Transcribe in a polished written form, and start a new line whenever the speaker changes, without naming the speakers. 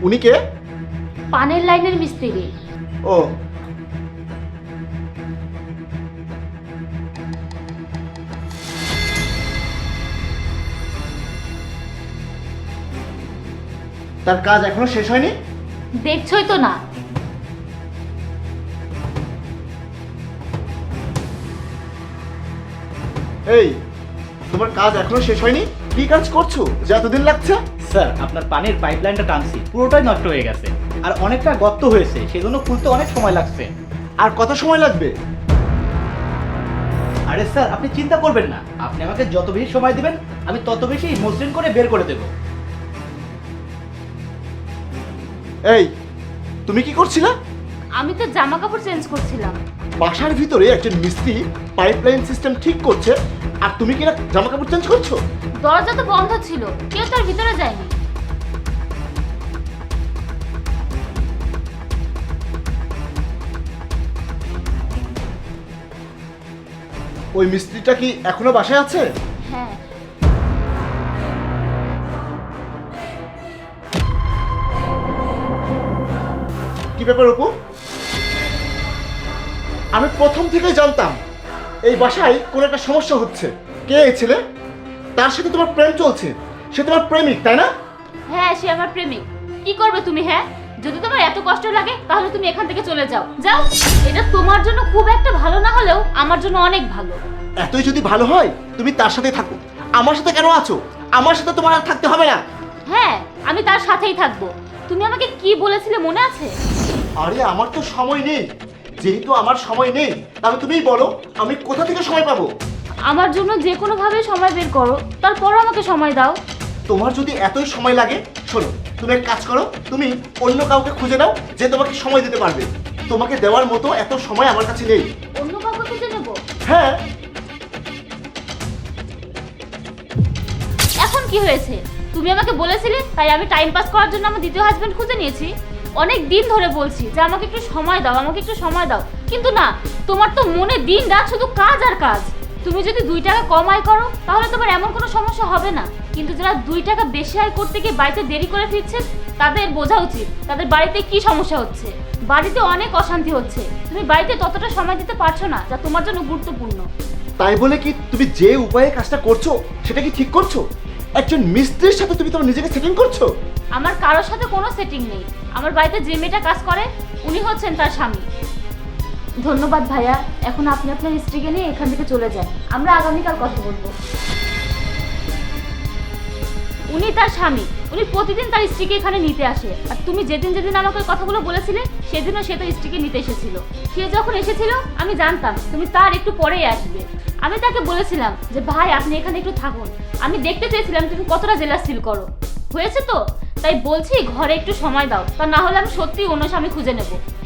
উনি কে?
পানের লাইনের মিস্ত্রি।
ও, তার কাজ এখনো শেষ হয়নি?
দেখছই তো না।
এই, তোমার কাজ এখনো শেষ হয়নি? কি কাজ করছো যে এতদিন লাগছে?
স্যার, আপনার পানির পাইপলাইনটা টানছি, পুরোটাই নষ্ট হয়ে গেছে আর অনেকটা গর্ত হয়েছে, সেজন্য খুলতে অনেক সময় লাগছে।
আর কত সময় লাগবে?
আরে স্যার, আপনি চিন্তা করবেন না, আপনি আমাকে যত বেশি সময় দিবেন আমি তত বেশি মসৃণ করে বের করে দেবো।
এই, তুমি কি করছিলা?
আমি তো জামা কাপড় চেঞ্জ করছিলাম।
বাসার ভিতরে একজন মিস্ত্রি পাইপলাইন সিস্টেম ঠিক করছে আর তুমি কিনা জামা কাপড় চেঞ্জ করছো?
দরজা তো বন্ধ ছিল, কেউ তার ভিতরে যায়নি।
ওই মিস্ত্রিটা কি এখনো বাসায় আছে?
হ্যাঁ।
কি ব্যাপার অপু? আমি প্রথম থেকেই জানতাম এই বাসায় কোনো একটা সমস্যা হচ্ছে। কে এই ছেলে? তার সাথে তোমার প্রেম চলছে, সে তোমার প্রেমিক তাই না?
হ্যাঁ, সে আমার প্রেমিক। কি করবে তুমি? হ্যাঁ, যদি তোমার এত কষ্ট লাগে তাহলে তুমি এখান থেকে চলে যাও। যাও। এটা তোমার জন্য খুব একটা ভালো না হলেও আমার জন্য অনেক ভালো।
এতই যদি ভালো হয় তুমি তার সাথে থাকো, আমার সাথে কেন আছো? আমার সাথে তোমার আর থাকতে হবে না।
হ্যাঁ, আমি তার সাথেই থাকবো। তুমি আমাকে কি বলেছিলে মনে আছে?
আরে আমার তো সময় নেই। যেহেতু আমার সময় নেই, তাহলে তুমিই বলো আমি কোথা থেকে সময় পাবো?
আমার জন্য যে কোনো ভাবে সময় বের করো, তারপরও আমাকে সময় দাও।
তোমার যদি এতই সময় লাগে, শোনো, তুমি এক কাজ করো, তুমি অন্য কাউকে খুঁজে নাও যে তোমাকে সময় দিতে পারবে। তোমাকে দেওয়ার মতো এত সময় আমার কাছে নেই।
অন্য কাউকে খুঁজে নেবো?
হ্যাঁ।
এখন কি হয়েছে? তুমি আমাকে বলেছিলে, তাই আমি টাইম পাস করার জন্য আমার দ্বিতীয় হাজবেন্ড খুঁজে নিয়েছি। অনেক দিন ধরে বলছি যে আমাকে একটু সময় দাও, আমাকে একটু সময় দাও, কিন্তু না, তোমার তো মনে দিন রাত শুধু কাজ আর কাজ। তুমি যদি 2 টাকা কম আয় করো তাহলে তোমার এমন কোনো সমস্যা হবে না, কিন্তু যারা 2 টাকা বেশি আয় করতে গিয়ে বাড়িতে দেরি করে ফিরছে তাদের বোঝা উচিত তাদের বাড়িতে কি সমস্যা হচ্ছে। বাড়িতে অনেক অশান্তি হচ্ছে, তুমি বাড়িতে ততটা সময় দিতে পারছো না যা তোমার জন্য গুরুত্বপূর্ণ।
তাই বলে কি তুমি যে উপায়ে কাজটা করছো সেটা কি ঠিক করছো? একজন মিস্ত্রির সাথে তুমি তোমার নিজেকে সেটিং করছো?
আমার কারোর সাথে কোনো সেটিং নেই। আমার বাড়িতে যে মেয়েটা কাজ করে উনি হচ্ছেন তার স্বামী। ধন্যবাদ ভাইয়া, এখন আপনি আপনার স্ত্রীকে নিয়ে এখান থেকে চলে যান, আমরা আগামীকাল কথা বলবো। উনি তার স্বামী, উনি প্রতিদিন তার স্ত্রীকে এখানে নিতে আসে। আর তুমি যেদিন যেদিন আমাকে কথাগুলো বলেছিলে সেদিনও সে তার স্ত্রীকে নিতে এসেছিল। সে যখন এসেছিল আমি জানতাম তুমি তার একটু পরেই আসবে। আমি তাকে বলেছিলাম যে ভাই আপনি এখানে একটু থাকুন, আমি দেখতে চেয়েছিলাম তুমি কতটা জেলাস ফিল করো। হয়েছে তো, তাই বলছি ঘরে একটু সময় দাও, তা না হলে আমি সত্যিই অন্য স্বামী খুঁজে নেব।